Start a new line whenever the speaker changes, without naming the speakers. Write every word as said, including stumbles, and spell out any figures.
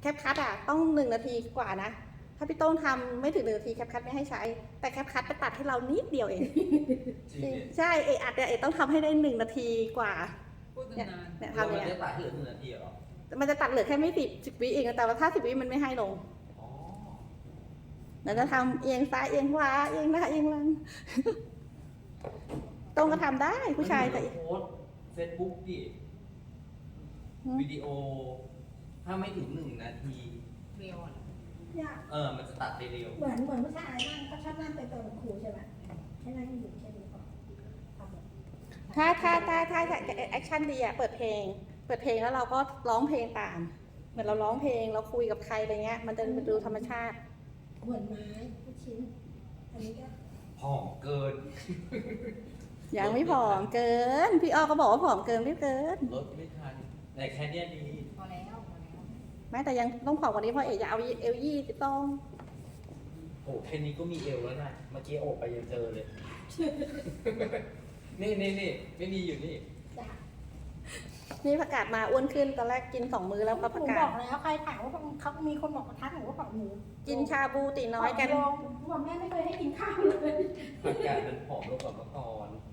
แคปคัทอ่ะต้องหนึ่งนาทีกว่านะถ้าพี่โต้งทำไม่ถึงหนึ่งนาทีแคปคัทไม่ให้ใช้แต่แคปคัทไปตัดให้เรานิดเดียวเอง
จริง
ใช่เออัดเนี่ยเอต้องทำให้ได้หนึ่งนาทีกว่า
พูด
เนี่ย
นาน
เนี่ย
เรา
ทำ
ไม่
เนี่ย
ได้ตัดให้เหลือหนึ่งนาทีเหรอ
มันจะตัดเหลือแค่ไม่สิบสิบวิเองแต่ว่าถ้าสิบวิมันไม่ให้ลง
อ๋อ
เดี๋ยวจะทำเอียงซ้ายเอียงขวาเอียงหน้าเอียงหลัง ตรงก็ทำได้ผู้ชายแต่
โพสเฟซบุ๊กดิวิดีโอ ถ้าไม่ถึงหนึ่งนาที
เร็วอ่ะ
เนี่ย
เออ มันจะตัดไปเร็ว
เหมือนเหมือนผู้ชายนั่งเขาชอบนั่งไปเติมครูใช่ไหมให้นั่งอยู่แค่นี้ก่อนทำแบบ
ถ้าถ้าถ้าถ้าแอคชั่นดีอะเปิดเพลง เปิดเพลงแล้วเราก็ร้องเพลงตาม เหมือนเราร้องเพลงเราคุยกับใครอะไรเงี้ย มันจะดูธรรมชาติ
เหมือนไม้ทุกชิ้น อันนี้ก็
ผอมเกิน
ยังไม่ผอมเกิน พี่อ้อก็บอกว่าผอมเกินไม่เกิน
ลดไม่ทัน แต่แค่เนี้ยดี
พอแล้วพอแล้ว
แม้แต่ยังต้องผอมกว่านี้เพราะเอ๋จะเอาเอลยี่สิบต้อง
โอ้แค่นี้ก็มีเอวแล้วนะ เมื่อกี้โอบไปยังเจอเลย นี่นี่นี่ไม่มีอยู่นี่
จ้ะ
นี่ประกาศมาอ้วนขึ้นตอนแรกกินสองมื้อแล้วก็
ห
ประ
นู
กา
บ
ศ
อกแล้วใครถามว่าเขามีคนบอกทักหนูว่าบอกหนู
กินชาบูตีน้อยกัน
ลงบอกแม่ไม่เคยให้กินข้าวเลย
อากาศมันผอมลงกว่าเมื่อก่อน